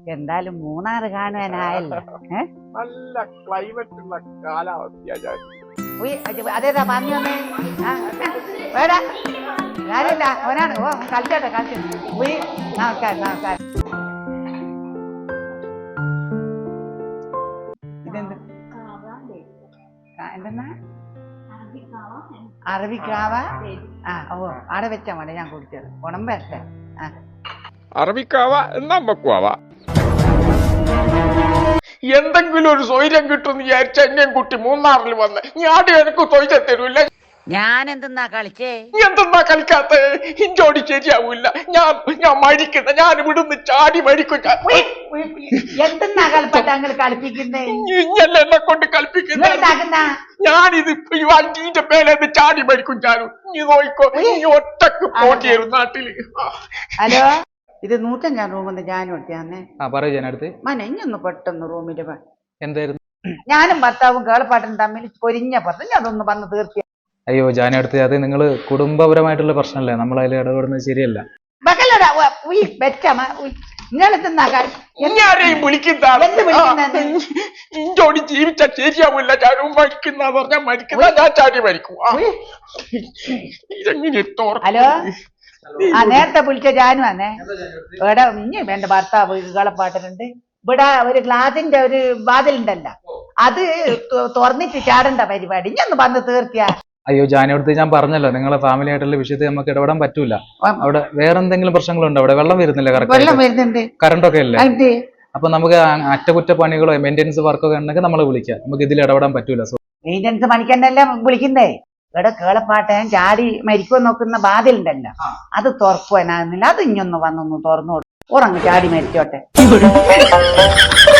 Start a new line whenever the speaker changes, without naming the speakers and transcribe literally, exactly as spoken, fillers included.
എന്തായാലും മൂന്നാറ് കാണുവാനായല്ലോ. ഏഹ്
നല്ല ക്ലൈമറ്റ് ഉള്ള കാലാവസ്ഥയാ.
അതേതാ പറഞ്ഞു വന്നേ? വേടാ ഞാനില്ല, അവനാണ്. ഓ കളിച്ചോട്ടെ കളിച്ചു. ഉയ് നമസ്കാരം നമസ്കാരം. ഇതെന്ത് എന്തെന്നാ? അറബിക്കാവ. ആ ഓ അവിടെ വെച്ചാ മതി, ഞാൻ കുടിച്ചത് ഉണം വരട്ടെ. ആ
അറബിക്കാവ എന്നാ വെക്കുവാവ. എന്തെങ്കിലും ഒരു സ്വൈര്യം കിട്ടും വിചാരിച്ച എന്നെയും കുട്ടി മൂന്നാറിൽ വന്ന് ഞാൻ എനിക്ക് സ്വൈര്യം തരൂല്ല.
ഞാൻ എന്തെന്നാ കളിച്ചേ?
എന്തെന്നാ കളിക്കാത്ത? ഇഞ്ചോടി ശരിയാവൂല. ഞാൻ ഞാൻ മരിക്കുന്ന, ഞാൻ ഇവിടുന്ന് ചാടി മരിക്കും.
എന്തെന്നാ കളിപ്പാട്ട അങ്ങനെ കളിപ്പിക്കുന്നേ?
ഇഞ്ഞല്ല എന്നെ കൊണ്ട് കളിപ്പിക്കുന്ന. ഞാനിത് ഈ വണ്ടീന്റെ മേലെ ചാടി മരിക്കും. ഞാനും നീ നോയിക്കോ, നീ ഒറ്റക്ക് പോട്ടി വരും നാട്ടില്.
ഹലോ, ഇത് നൂറ്റഞ്ചാം റൂമെന്ന് ഞാനും എടുത്തേ.
ആ പറയൂ ഞാനടുത്ത്.
മന ഇഞ്ഞൊന്ന് പെട്ടെന്ന് റൂമിന്റെ
എന്തായിരുന്നു?
ഞാനും ഭർത്താവും കേളപ്പാട്ടും തമ്മിൽ പൊരിഞ്ഞ പറഞ്ഞു, അതൊന്ന് വന്ന് തീർത്തി.
അയ്യോ ജാനടുത്ത്, അത് നിങ്ങൾ കുടുംബപരമായിട്ടുള്ള പ്രശ്നമല്ലേ, നമ്മൾ അതിൽ ഇടപെടുന്നത് ശരിയല്ല.
ഇഞ്ഞാരെയും വിളിക്കുന്നോടി ജീവിച്ച ശരിയാവില്ല. ഞാനും മരിക്കുന്ന പറഞ്ഞാൽ മരിക്കുന്ന, ഞാൻ ചാടി മരിക്കും.
ഹലോ, ആ നേരത്തെ വിളിച്ച ജാനു വന്നേ. ഇവിടെ ഇനി എന്റെ ഭർത്താവ് കേളപ്പാട്ടനുണ്ട്. ഇവിടെ ഒരു ഗ്ലാസിന്റെ ഒരു വാതിലുണ്ടല്ലോ, അത് തുറന്നിട്ട് ചാടേണ്ട പരിപാടി. ഇനി ഒന്ന് വന്ന് തീർത്തിയാ.
അയ്യോ ജാനടുത്ത്, ഞാൻ പറഞ്ഞല്ലോ നിങ്ങളെ ഫാമിലി ആയിട്ടുള്ള വിഷയത്തിൽ നമുക്ക് ഇടപെടാൻ പറ്റൂല. അവിടെ വേറെ എന്തെങ്കിലും പ്രശ്നങ്ങളുണ്ടോ? അവിടെ വെള്ളം വരുന്നില്ല?
വെള്ളം വരുന്നുണ്ട്,
കറണ്ട് ഒക്കെ അല്ലേ? അപ്പൊ നമുക്ക് അറ്റകുറ്റപ്പണികളോ മെയിൻ്റെനൻസ് വർക്കൊക്കെ ഉണ്ടെങ്കിൽ നമ്മൾ വിളിക്കാം. നമുക്ക് ഇതിൽ ഇടപെടാൻ പറ്റൂല.
മെയിൻ്റെനൻസ് പണിക്കന്നെല്ലാം വിളിക്കുന്നേ. ഇവിടെ കേളപ്പാട്ടൻ ചാടി മരിക്കുവാൻ നോക്കുന്ന വാതിലുണ്ടല്ലോ, അത് തുറക്കുവാനാകുന്നില്ല. അത് ഇഞ്ഞൊന്ന് വന്നൊന്ന് തുറന്നു കൊടുക്കും. ഉറങ്ങ്, ചാടി മരിച്ചോട്ടെ.